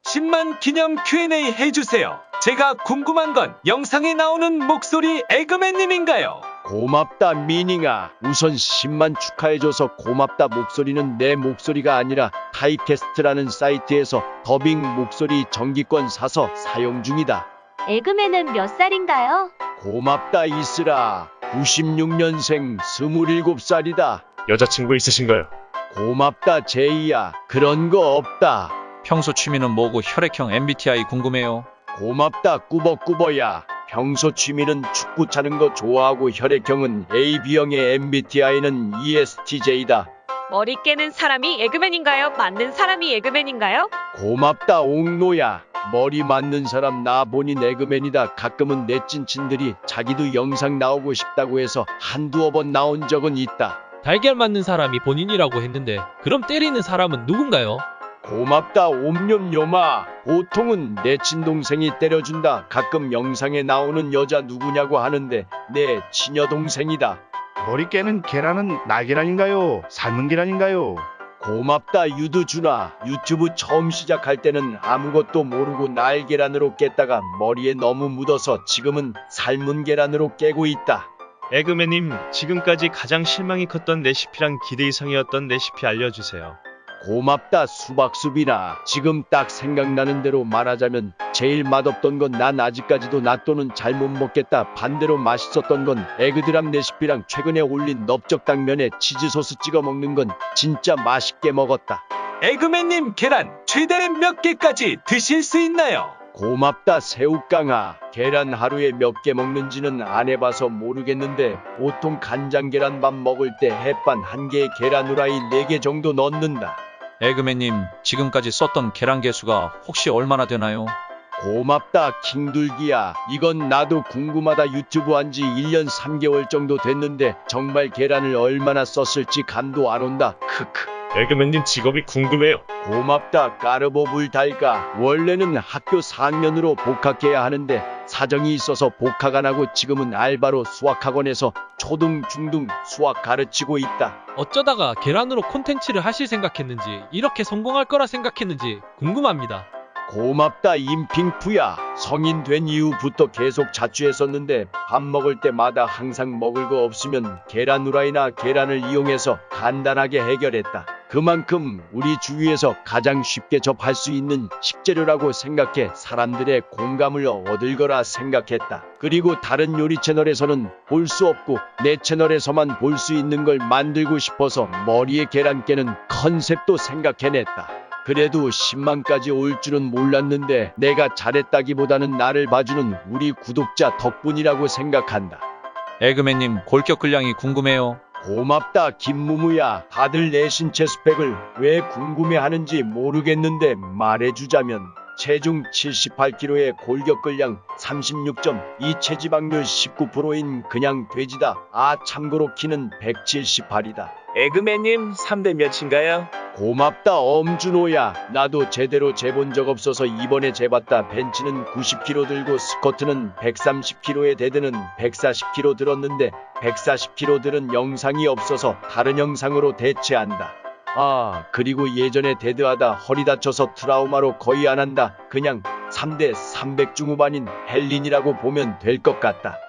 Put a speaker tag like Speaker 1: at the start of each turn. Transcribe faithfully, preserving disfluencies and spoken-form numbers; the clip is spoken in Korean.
Speaker 1: 십만 기념 큐 앤 에이 해주세요. 제가 궁금한 건 영상에 나오는 목소리 에그맨님인가요?
Speaker 2: 고맙다 미닝아. 우선 십만 축하해줘서 고맙다. 목소리는 내 목소리가 아니라 타이캐스트라는 사이트에서 더빙 목소리 정기권 사서 사용 중이다.
Speaker 3: 에그맨은 몇 살인가요?
Speaker 2: 고맙다 이슬아. 구십육 년생 스물일곱 살이다.
Speaker 4: 여자친구 있으신가요?
Speaker 2: 고맙다 제이야. 그런 거 없다.
Speaker 5: 평소 취미는 뭐고 혈액형 엠 비 티 아이 궁금해요.
Speaker 2: 고맙다 꾸버꾸버야. 평소 취미는 축구 차는 거 좋아하고 혈액형은 에이 비형의 엠 비 티 아이는 이 에스 티 제이다.
Speaker 6: 머리 깨는 사람이 에그맨인가요? 맞는 사람이 에그맨인가요?
Speaker 2: 고맙다 옥노야. 머리 맞는 사람 나 본인 에그맨이다. 가끔은 내 찐친들이 자기도 영상 나오고 싶다고 해서 한두어 번 나온 적은 있다.
Speaker 7: 달걀 맞는 사람이 본인이라고 했는데 그럼 때리는 사람은 누군가요?
Speaker 2: 고맙다 옴뇸뇸아. 보통은 내 친동생이 때려준다. 가끔 영상에 나오는 여자 누구냐고 하는데 내 친여동생이다.
Speaker 8: 머리 깨는 계란은 날계란인가요? 삶은 계란인가요?
Speaker 2: 고맙다 유두준아. 유튜브 처음 시작할 때는 아무것도 모르고 날계란으로 깼다가 머리에 너무 묻어서 지금은 삶은 계란으로 깨고 있다.
Speaker 4: 에그맨님, 지금까지 가장 실망이 컸던 레시피랑 기대 이상이었던 레시피 알려주세요.
Speaker 2: 고맙다 수박수비나. 지금 딱 생각나는 대로 말하자면 제일 맛없던 건 난 아직까지도 낫또는 잘 못 먹겠다. 반대로 맛있었던 건 에그드랍 레시피랑 최근에 올린 넓적당면에 치즈소스 찍어 먹는 건 진짜 맛있게 먹었다.
Speaker 1: 에그맨님 계란 최대 몇 개까지 드실 수 있나요?
Speaker 2: 고맙다 새우깡아. 계란 하루에 몇 개 먹는지는 안 해봐서 모르겠는데 보통 간장 계란밥 먹을 때 햇반 한 개에 계란 후라이 네 개 정도 넣는다.
Speaker 5: 에그맨님, 지금까지 썼던 계란 개수가 혹시 얼마나 되나요?
Speaker 2: 고맙다 킹둘기야. 이건 나도 궁금하다. 유튜브 한지 일 년 삼 개월 정도 됐는데 정말 계란을 얼마나 썼을지 감도 안 온다. 크크.
Speaker 4: 에그맨님 직업이 궁금해요.
Speaker 2: 고맙다 까르보 불달까. 원래는 학교 사 학년으로 복학해야 하는데 사정이 있어서 복학 안 하고 지금은 알바로 수학학원에서 초등 중등 수학 가르치고 있다.
Speaker 7: 어쩌다가 계란으로 콘텐츠를 하실 생각했는지 이렇게 성공할 거라 생각했는지 궁금합니다.
Speaker 2: 고맙다 임핑푸야. 성인 된 이후부터 계속 자취했었는데 밥 먹을 때마다 항상 먹을 거 없으면 계란 후라이나 계란을 이용해서 간단하게 해결했다. 그만큼 우리 주위에서 가장 쉽게 접할 수 있는 식재료라고 생각해 사람들의 공감을 얻을 거라 생각했다. 그리고 다른 요리 채널에서는 볼 수 없고 내 채널에서만 볼 수 있는 걸 만들고 싶어서 머리에 계란 깨는 컨셉도 생각해냈다. 그래도 십만까지 올 줄은 몰랐는데 내가 잘했다기보다는 나를 봐주는 우리 구독자 덕분이라고 생각한다.
Speaker 5: 에그맨님 골격 근량이 궁금해요.
Speaker 2: 고맙다 김무무야. 다들 내 신체 스펙을 왜 궁금해하는지 모르겠는데 말해주자면 체중 칠십팔 킬로그램에 골격 근량 삼십육 점 이, 체지방률 십구 퍼센트인 그냥 돼지다. 아 참고로 키는 백칠십팔이다.
Speaker 1: 에그맨님 삼 대 몇인가요?
Speaker 2: 고맙다 엄준호야. 나도 제대로 재본 적 없어서 이번에 재봤다. 벤치는 구십 킬로그램 들고 스쿼트는 백삼십 킬로그램에 데드는 백사십 킬로그램 들었는데 백사십 킬로그램 들은 영상이 없어서 다른 영상으로 대체한다. 아 그리고 예전에 데드하다 허리 다쳐서 트라우마로 거의 안 한다. 그냥 삼 대 삼백 중후반인 헬린이라고 보면 될 것 같다.